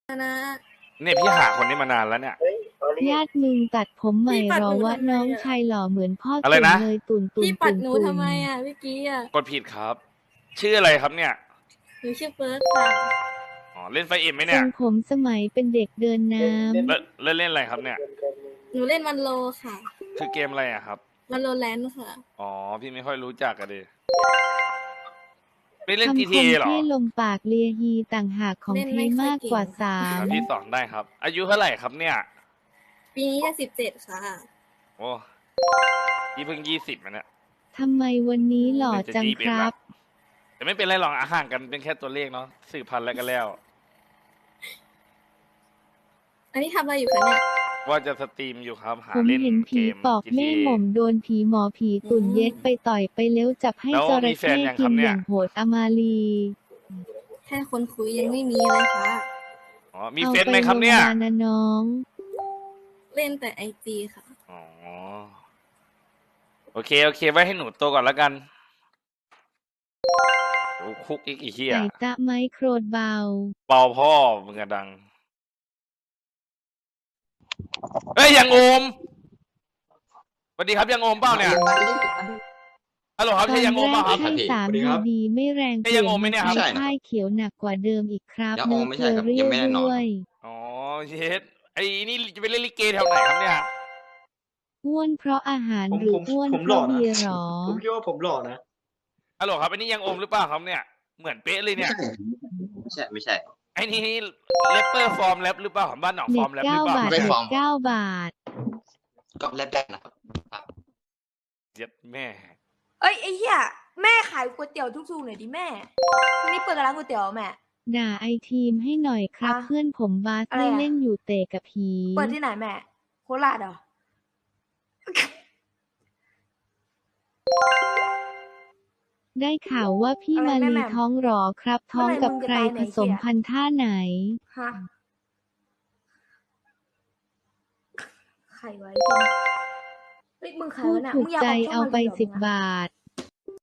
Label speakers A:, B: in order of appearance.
A: นะ
B: เนี่ยพี่หาคนนี้มานานแล้วเนี่ย
C: ญาติมึงตัดผมใหม่หรอวะน้องชายหล่อเหมือนพ่อตุ่นเลยตุ่น
A: พี่ปัดหนูทำไมอ่ะเมื่อกี้อ่ะ
B: กดผิดครับ ชื่ออะไรครับเนี่ย
A: หนูชื่อเฟิร์สค่ะ
B: อ๋อเล่นไฟเอ็มไหม
C: ทร
B: เนี่ย
C: งผมสมัยเป็นเด็กเดินน้
B: เล่นอะไรครับเนี่ย
A: หนูเล่นวันโลค่ะ
B: คือเกมอะไรอะครับ
A: วันโลแลนด์ค่ะ
B: อ๋อพี่ไม่ค่อยรู้จักกันดิไม่
C: ำ
B: เล่น
C: คำคม
B: GTA หรอ
C: เท่ลมปากเลียฮีต่างหากของเท่มากกว่าสา
B: ครั
C: ม
B: บพี่สอนได้ครับ อายุเท่าไหร่ครับเนี่ย
A: ปีนี้จะ17ค่ะ
B: โอ้พี่เพิ่ง20นะเนี่ย
C: ทำไมวันนี้หล่อจัง
B: จะ
C: ค
B: 21
C: รั
B: ละ
C: บ
B: แต่ไม่เป็นไรหรอกห่างกันเป็นแค่ตัวเลขเนาะสืบพันธุ์แล้วก็แล้ว
A: อันนี้ทำอะไรอยู่คะเนี่ย
B: ว่าจะสตรีมอยู่ครับ หา
C: ผม
B: เล่น
C: เห็น
B: เก
C: ผี
B: ม
C: ปอกแม่
B: GTA
C: หม่อมโดนผีหมอผีตุ่นเย็ดไปต่อยไปเลี้ยวจับให้
B: แล้ว
C: จ
B: มี
C: ระ
B: แฟน
C: เข้
B: ยังค
C: กิ
B: รับ
C: น
B: เนี่
C: อย ย่างโหดอมาลี
A: แค่คนคุยยังไม่มีเลยค่ะ
B: อ๋อมี
C: เอา
B: เฟซ
C: ไป
B: ไหมครับ
C: ลง
B: เนี่ย
C: มานะน้อง
A: เล่นแต่IGค่ะ
B: อ๋อโอเคไว้ให้หนูโตก่อนแล้วกันโอ้คุกอีกเหี้ย
C: ไก่ตะไม้โครดเบา
B: เบาพ่อมึงอะดังเฮ้ยยังโอมสวัสดีครับยังโอมเปล่าเนี่ยฮัลโหลครับ
C: ตอ
B: ใช่
C: น
B: ยังโอม
C: แร
B: เปล่าก ครับ
C: ให้สามดีๆไม่แรงเป
B: ใช่
C: ลี่
B: ยั
C: ย
B: ง
C: น
B: โอมไหม
C: มา
B: เนี่ยครับ
C: ใช้ค่ายเขียวหนักกว่าเดิมอีกครับ
D: ยังโอ
C: เนื้อ
D: มไม่
C: เก
D: ใช่
C: ลือ
D: ครับ
C: เรี
D: ยั
C: ย
D: ง
C: ว
D: ไม่แน่นอน
C: ด้วย
B: อ๋อเย็ดไอ้นี่จะไปเล่นลิเกแถวไหนครับเนี่ย
C: อ้วนเพราะอาหาร
E: ผม
C: หรือ
E: ผม
C: อ้วน
E: ผม
C: เพ
E: หล่อ
C: ราะ
E: นะ
C: เบียร์หรอ
E: ผมคิดว่าผมหล่อนะ
B: ฮัลโหลครับไอ้นี่ยังโอมหรือเปล่าครับเนี่ยเหมือนเป๊ะเลยเนี่ย
D: ไม่ใช่
B: ไอ้นี่แรปเปอร์ฟอร์มแรปหรือเปล่าบ้านหนองฟ
C: เน็
B: อ
C: ต
B: ร์มแรปหรือเปล่า
C: 9 บาท
D: ไม่
C: เน็
D: ฟอ
C: ต
D: ร์ม
C: 9 บาท
D: ก็แลบได้นะครับ
B: เย็ดแม่
F: เอ้ยไอ้เหี้ยแม่ขายก๋วยเตี๋ยวทุกๆหน่อยดิแม่วันนี้เปิดร้านก๋วยเตี๋ยวแม่
C: ด่าไอทีมให้หน่อยครับ
F: อ่ะ
C: เพื่อนผมบาส
F: อะไร
C: ไม่
F: อ่ะ
C: เล่นอยู่เตะกับผี
F: เปิดที่ไหนแม่โคราชเหรอ
C: ได้ข่าวว่าพี่
F: อะไร
C: มา
F: แม่
C: ลี
F: แหม่ม
C: ท้องหรอครับ ท้อง
F: เมื่อไหร่
C: กับ
F: มึงจะ
C: ใคร
F: ตาย
C: ผ
F: เนี่ย
C: สม
F: เหี้ย
C: พันธุ์ท่าไหน
F: ฮะใครไว้ที่นี่เฮ้ยมึงขาย
C: พูด
F: วะเนี่ย
C: ถู
F: มึ
C: ก
F: งอยาก
C: ใจ
F: ออกช่อง
C: เอา
F: มา
C: ไป
F: ลีเหรอมึง
C: 10 บาท